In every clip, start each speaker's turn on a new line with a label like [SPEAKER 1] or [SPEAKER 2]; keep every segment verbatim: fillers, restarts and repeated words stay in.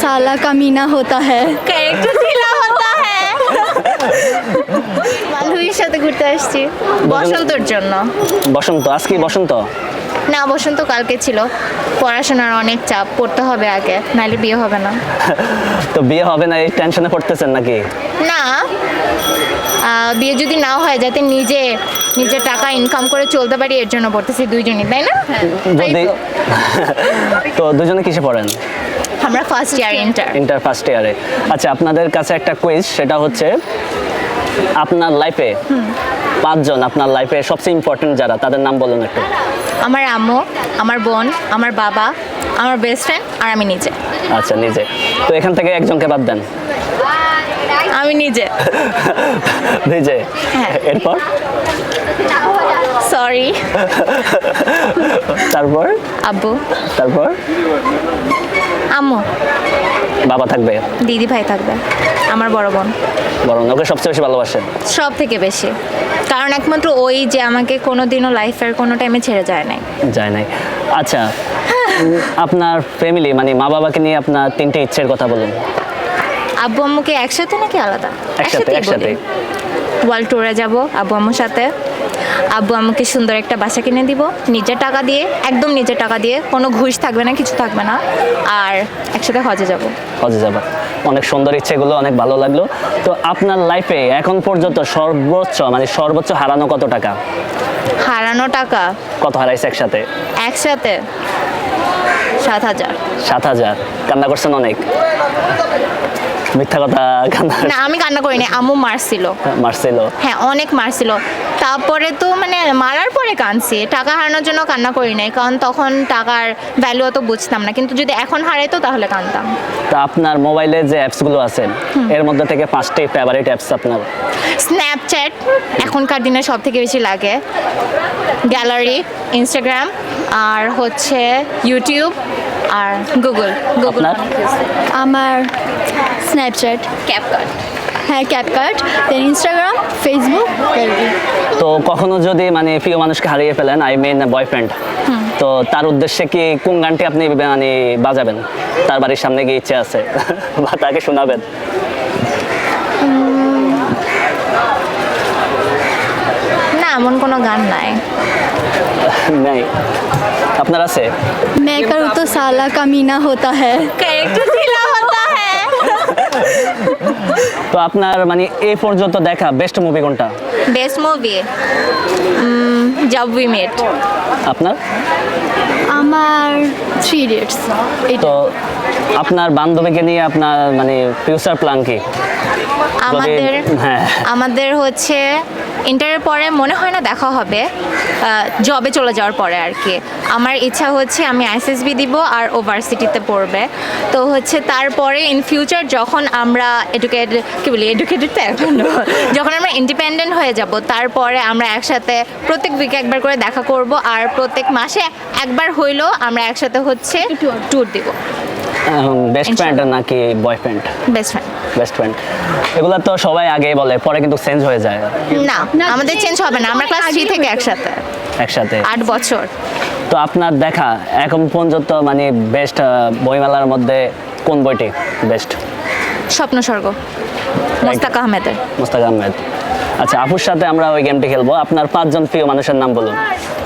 [SPEAKER 1] साला कमीना होता है
[SPEAKER 2] ক্যারেক্টার ঢিলা হতা হ্যাঁ বান্ধবীর সাথে ঘুরতে আসছি বসন্তর জন্য।
[SPEAKER 3] বসন্ত আজকে বসন্ত
[SPEAKER 2] না বসন্ত কালকে ছিল, পড়াশোনার অনেক চাপ, পড়তে হবে আগে নাহলে বিয়ে হবে না।
[SPEAKER 3] তো বিয়ে হবে না এই টেনশনে পড়তেছেন নাকি?
[SPEAKER 2] না আহ, বিয়ে যদি নাও হয় যাতে নিজে নিজের টাকা ইনকাম করে চলতে পারি এর জন্য পড়তেছি দুইজনই, তাই না? তাই
[SPEAKER 3] যদি
[SPEAKER 2] তো।
[SPEAKER 3] তো দুজনে কিসে পড়েন?
[SPEAKER 2] আমরা first year inter.
[SPEAKER 3] Inter first ইয়ারে। আচ্ছা আপনাদের কাছে একটা কুইজ, সেটা হচ্ছে আপনার লাইফে পাঁচজন আপনার লাইফে সবচেয়ে ইম্পর্টেন্ট যারা, তাদের নাম বলুন একটু।
[SPEAKER 2] আমার আম্মু, আমার বোন, আমার বাবা, আমার বেস্ট ফ্রেন্ড আর আমি নিজে।
[SPEAKER 3] আচ্ছা নিজে। তো এখান থেকে একজনকে বাদ দেন।
[SPEAKER 2] আমি নিজে।
[SPEAKER 3] নিজে।
[SPEAKER 2] হ্যাঁ।
[SPEAKER 3] এরপর
[SPEAKER 2] সরি।
[SPEAKER 3] তারপর
[SPEAKER 2] আব্বু,
[SPEAKER 3] তারপর
[SPEAKER 2] আম্মু,
[SPEAKER 3] বাবা থাকবে,
[SPEAKER 2] দিদি ভাই থাকবে, আমার বড় বোন।
[SPEAKER 3] বরং ওকে সবচেয়ে বেশি ভালোবাসেন?
[SPEAKER 2] সব থেকে বেশি, কারণ একমাত্র ওই যে আমাকে কোনোদিনও লাইফের কোনো টাইমে ছেড়ে যায় নাই।
[SPEAKER 3] যায় নাই। আচ্ছা আপনার ফ্যামিলি মানে মা বাবাকে নিয়ে আপনার তিনটে ইচ্ছের কথা বলুন।
[SPEAKER 2] আব্বু আম্মুকে একসাথে নাকি আলাদা?
[SPEAKER 3] একসাথে, একসাথে।
[SPEAKER 2] ওয়ার্ল্ড ট্যুরে যাব আব্বু আম্মুর সাথে। আব্বু আম্মুকে সুন্দর একটা বাসা কিনে দিব নিজের টাকা দিয়ে, একদম নিজের টাকা দিয়ে, কোনো ঘুষ থাকবে না, কিছু থাকবে না। আর একসাথে হজে যাব।
[SPEAKER 3] হজে যাবা। অনেক সুন্দর ইচ্ছেগুলো, অনেক ভালো লাগলো। তো আপনার লাইফে এখন পর্যন্ত সর্বোচ্চ মানে সর্বোচ্চ হারানো কত টাকা?
[SPEAKER 2] হারানো টাকা
[SPEAKER 3] কত হারাইছে একসাথে?
[SPEAKER 2] একসাথে সাত হাজার।
[SPEAKER 3] সাত হাজার। কান্না করছেন অনেক? মিথ্যা কথা, কান্না
[SPEAKER 2] না আমি কান্না করিনি, আম্মু মারছিল।
[SPEAKER 3] মারছিল?
[SPEAKER 2] হ্যাঁ অনেক মারছিল। তারপরে তো মানে মারার পরে কাঁদছি, টাকা হারানোর জন্য কান্না করি নাই, কারণ তখন টাকার ভ্যালু অত বুঝতাম না, কিন্তু যদি এখন হারাইতো তাহলে কাঁদতাম।
[SPEAKER 3] তা আপনার মোবাইলে যে অ্যাপসগুলো আছে এর মধ্যে থেকে পাঁচটি ফেভারিট অ্যাপস আপনার?
[SPEAKER 2] স্ন্যাপচ্যাট এখনকার দিনে সব থেকে বেশি লাগে, গ্যালারি, ইনস্টাগ্রাম, আর হচ্ছে ইউটিউব আর গুগল। গুগল
[SPEAKER 3] আপনার?
[SPEAKER 1] আমার স্ন্যাপচ্যাট,
[SPEAKER 2] ক্যাপকাট।
[SPEAKER 1] হ্যাঁ ক্যাপকাট, দেন ইনস্টাগ্রাম, ফেসবুক।
[SPEAKER 3] তো কখনো যদি মানে প্রিয় মানুষকে হারিয়ে ফেলেন, আই মিন বয়ফ্রেন্ড, তো তার উদ্দেশ্যে কি কোন গানটি আপনি মানে বাজাবেন? তার বাড়ির সামনে গিয়ে ইচ্ছে আছে বা তাকে শোনাবেন?
[SPEAKER 2] না এমন কোনো গান নাই।
[SPEAKER 3] নাই? আপনার আছে?
[SPEAKER 1] मैं करूँ तो साला कमीना होता है।
[SPEAKER 2] ক্যারেক্টার ঢিলা হতা হ্যাঁ।
[SPEAKER 3] তো আপনার মানে এই পর্যন্ত দেখা বেস্ট মুভি কোনটা?
[SPEAKER 2] Best movie Jab We Met.
[SPEAKER 3] আপনার?
[SPEAKER 1] আমার থ্রি ইডিয়টস।
[SPEAKER 3] তো আপনার বান্ধবীকে নিয়ে আপনার মানে ফিউচার প্ল্যান কি?
[SPEAKER 2] আমাদের
[SPEAKER 3] হ্যাঁ।
[SPEAKER 2] আমাদের হচ্ছে ইন্টারের পরে মনে হয় না দেখা হবে, জবে চলে যাওয়ার পরে আর কি। আমার ইচ্ছা হচ্ছে আমি আইএসএসবি দিব আর ও ভার্সিটিতে পড়বে। তো হচ্ছে তারপরে ইন ফিউচার যখন আমরা এডুকেটেড, কি বলি এডুকেটেড তো এখন, যখন আমরা ইন্ডিপেন্ডেন্ট হয়ে যাব তারপরে আমরা একসাথে প্রত্যেক উইকে একবার করে দেখা করব, আর প্রত্যেক মাসে একবার হইলেও আমরা একসাথে হচ্ছে ট্যুর দিব।
[SPEAKER 3] বেস্ট ফ্রেন্ড নাকি boyfriend?
[SPEAKER 2] Best friend.
[SPEAKER 3] Best friend এগুলা তো সবাই আগে বলে, পরে কিন্তু চেঞ্জ হয়ে যায়।
[SPEAKER 2] না আমাদের চেঞ্জ হবে না, আমরা ক্লাস থ্রি থেকে একসাথে,
[SPEAKER 3] একসাথে
[SPEAKER 2] আট বছর।
[SPEAKER 3] তো আপনার দেখা এখন পর্যন্ত মানে বেস্ট বইমেলার মধ্যে কোন বইটি বেস্ট?
[SPEAKER 2] স্বপ্ন স্বর্গ, মোস্তাক আহমেদের।
[SPEAKER 3] মোস্তাক আহমেদ। আচ্ছা আপুর সাথে আমরা ওই গেমটি খেলবো। আপনার পাঁচজন প্রিয় মানুষের নাম বলুন।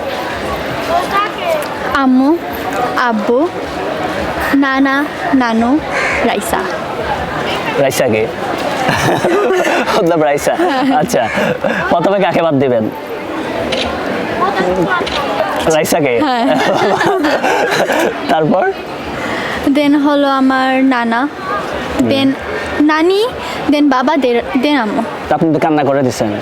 [SPEAKER 1] আম্মু, আব্বু, নানা, নানু, রাইসা।
[SPEAKER 3] রাইসা কে? মতলব রাইসা। আচ্ছা প্রথমে কাকে বাদ দিবেন? রাইসাকে? তারপর?
[SPEAKER 1] দেন হলো আমার নানা, দেন নানি, দেন বাবা, দেন আম্মু।
[SPEAKER 3] তা আপনি তো কান্না করে দিচ্ছেন।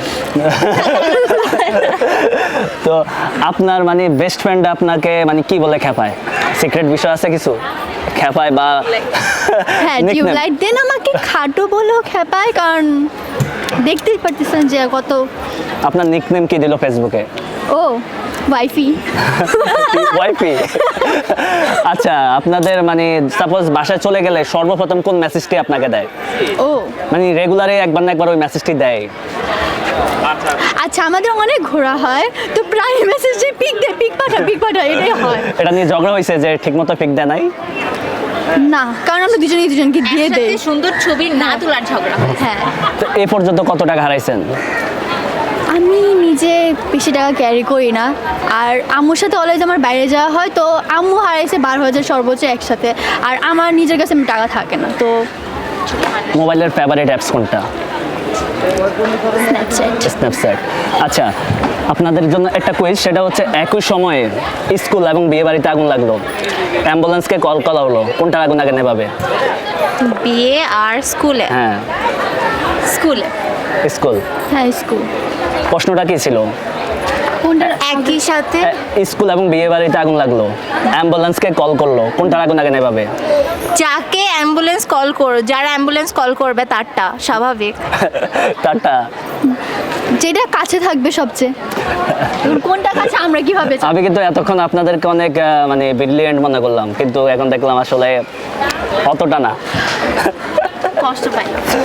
[SPEAKER 3] তো আপনার মানে বেস্ট ফ্রেন্ড আপনাকে মানে কি বলে খেপায়? সিক্রেট বিষয় আছে কিছু খেপায় বা?
[SPEAKER 1] হ্যাঁ
[SPEAKER 3] nickname?
[SPEAKER 1] টিউবলাইট দেন আমাকে খাটো বলেও খেপায়, কারণ দেখতেই পারতেছেন যে কত।
[SPEAKER 3] আপনার নিকনেম কি দিল ফেসবুকে?
[SPEAKER 1] ও ওয়াইফি।
[SPEAKER 3] ওয়াইফি। আচ্ছা আপনাদের মানে সাপোজ বাসায় চলে গেলে সর্বপ্রথম কোন মেসেজটি আপনাকে দেয়?
[SPEAKER 1] ও
[SPEAKER 3] মানে রেগুলারে একবার না একবার ওই মেসেজটি দেয়?
[SPEAKER 1] আচ্ছা আমাদের অনেক ঘোরা হয়, তো প্রায় মেসেজে পিক দে, পিক পাঠা, পিক পাঠা, এটাই হয়।
[SPEAKER 3] এটা নিয়ে ঝগড়া হয়েছে যে ঠিকমতো পিক দেয় নাই?
[SPEAKER 1] না, কারণ আমরা দুজনেই দুজনকে দিয়ে
[SPEAKER 2] একসাথে
[SPEAKER 1] দেই।
[SPEAKER 2] সুন্দর ছবি না তোলার ঝগড়া হয়।
[SPEAKER 1] হ্যাঁ,
[SPEAKER 3] তো এ পর্যন্ত কত টাকা হারাইছেন?
[SPEAKER 1] আমি নিজে বেশি টাকা ক্যারি করি না, আর আম্মুর সাথে অলওয়েজ আমার বাইরে যাওয়া হয়, তো আম্মু হারাইছে বারো হাজার সর্বোচ্চ একসাথে, আর আমার নিজের কাছে টাকা থাকে না, তো
[SPEAKER 3] মোবাইলের ফেভারিট অ্যাপস কোনটা?
[SPEAKER 1] স্ন্যাপচ্যাট।
[SPEAKER 3] স্ন্যাপচ্যাট। আচ্ছা, আপনাদের জন্য একটা কুইজ, সেটা হচ্ছে একই সময়ে স্কুল এবং বিয়ে বাড়িতে আগুন লাগলো, অ্যাম্বুলেন্সকে কল করা হলো, কোনটার আগুন আগে নেভাবে?
[SPEAKER 2] বিয়ে আর স্কুলে
[SPEAKER 3] হ্যাঁ,
[SPEAKER 2] স্কুলে
[SPEAKER 3] স্কুল।
[SPEAKER 1] হ্যাঁ, স্কুল।
[SPEAKER 3] প্রশ্নটা কি ছিল?
[SPEAKER 1] কোনটা?
[SPEAKER 2] একই সাথে
[SPEAKER 3] এ, স্কুল এবং বিয়ে বাড়িতে আগুন লাগলো, অ্যাম্বুলেন্সকে কল করলো, কোনটার আগুন আগে নেভাবে?
[SPEAKER 2] যাকে অ্যাম্বুলেন্স কল করো, যারা অ্যাম্বুলেন্স কল করবে তারটা স্বাভাবিক।
[SPEAKER 3] টাটা।
[SPEAKER 1] যেটা কাছে থাকবে সবচেয়ে। এবার কোনটা কাছে আমরা কিভাবে জানবো?
[SPEAKER 3] আমি কিন্তু এতক্ষণ আপনাদেরকে অনেক আহ, মানে ব্রিলিয়েন্ট মনে করলাম, কিন্তু এখন দেখলাম আসলে অতটা না।
[SPEAKER 2] কষ্ট পাই।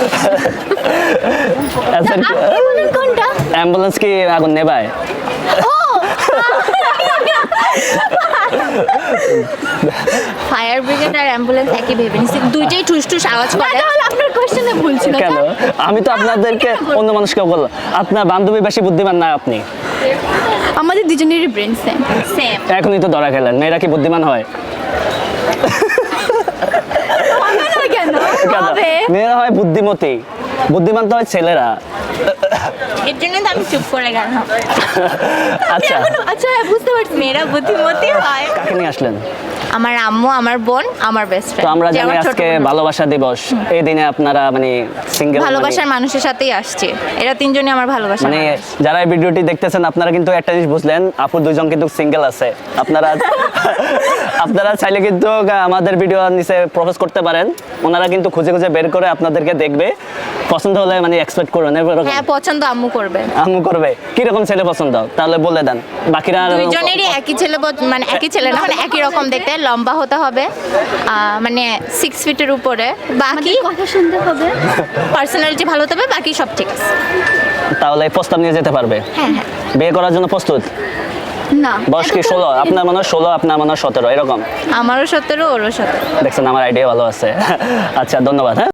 [SPEAKER 3] আচ্ছা,
[SPEAKER 1] আপনি বলেন কোনটা?
[SPEAKER 3] অ্যাম্বুলেন্স কি আগুন নেভায়?
[SPEAKER 2] ফায়ার ব্রিগেড আর অ্যাম্বুলেন্স একই ভেবে নিছি, দুইটাই ঠুস ঠুস আওয়াজ
[SPEAKER 1] না,
[SPEAKER 2] করে।
[SPEAKER 1] তাহলে আপনার কোশ্চেনে ভুল ছিল।
[SPEAKER 3] কেন? আমি তো আপনাদেরকে অন্য মানুষকে বললাম, আপনার বান্ধবী বেশি বুদ্ধিমান না আপনি?
[SPEAKER 1] আমাদের দুজনেরই ব্রেন সেম।
[SPEAKER 2] সেম।
[SPEAKER 3] এখনই তো ধরা খেলেন, মেয়েরা কি বুদ্ধিমান হয়?
[SPEAKER 1] কেন
[SPEAKER 3] কেন?
[SPEAKER 1] হবে?
[SPEAKER 3] মেয়েরা হয় বুদ্ধিমতী, বুদ্ধিমান তো হয় ছেলেরা।
[SPEAKER 2] এর জন্য তো আমি চুপ করে গেলাম।
[SPEAKER 3] আচ্ছা,
[SPEAKER 1] আচ্ছা, হ্যাঁ, বুঝতে পারছি।
[SPEAKER 2] মেয়েরা বুদ্ধিমতী হয়।
[SPEAKER 3] কাকে নিয়ে আসলেন?
[SPEAKER 2] আমার আম্মু, আমার বোন, আমার বেস্ট
[SPEAKER 3] তো
[SPEAKER 2] ফ্রেন্ড।
[SPEAKER 3] আমরা জানি আজকে ভালোবাসা দিবস, এই দিনে আপনারা মানে সিঙ্গেল,
[SPEAKER 2] ভালোবাসার মানুষের সাথেই আসছে, এরা তিনজনই আমার ভালোবাসা
[SPEAKER 3] মানে যারা এই ভিডিওটি দেখতেছেন আপনারা কিন্তু একটা জিনিস বুঝলেন, আপু দুজন কিন্তু সিঙ্গেল আছে। আপনারা আপনারা চাইলে কিন্তু আমাদের ভিডিও নিচে প্রপোজ করতে পারেন, ওনারা কিন্তু খুঁজে খুঁজে বের করে আপনাদেরকে দেখবে, পছন্দ হলে মানে এক্সপেক্ট করবেন। এরকম
[SPEAKER 2] হ্যাঁ, পছন্দ আম্মু করবে।
[SPEAKER 3] আম্মু করবে। কিরকম ছেলে পছন্দ তাহলে বলে দেন, বাকিরা আর-
[SPEAKER 2] দুইজনেরই একই ছেলে পছ- মানে একই ছেলে না, মানে একই রকম দেখতে, লম্বা হতে হবে, আহ, মানে সিক্স ফিটের উপরে, বাকি
[SPEAKER 1] আমাদের কথা শুনতে হবে।
[SPEAKER 2] পার্সোনালিটি ভালো হতে হবে, বাকি সব ঠিক আছে।
[SPEAKER 3] তাহলে এই প্রস্তাব নিয়ে যেতে পারবে?
[SPEAKER 2] হ্যাঁ হ্যাঁ।
[SPEAKER 3] বিয়ে করার জন্য প্রস্তুত?
[SPEAKER 1] না,
[SPEAKER 3] বয়স কি ষোলো? আপনার মনে হয় ষোলো, আপনার মনে হয় সতেরো, এরকম।
[SPEAKER 2] আমারও সতেরো, ওরও সতেরো।
[SPEAKER 3] দেখছেন, আমার আইডিয়া ভালো আছে। আচ্ছা, ধন্যবাদ। হ্যাঁ।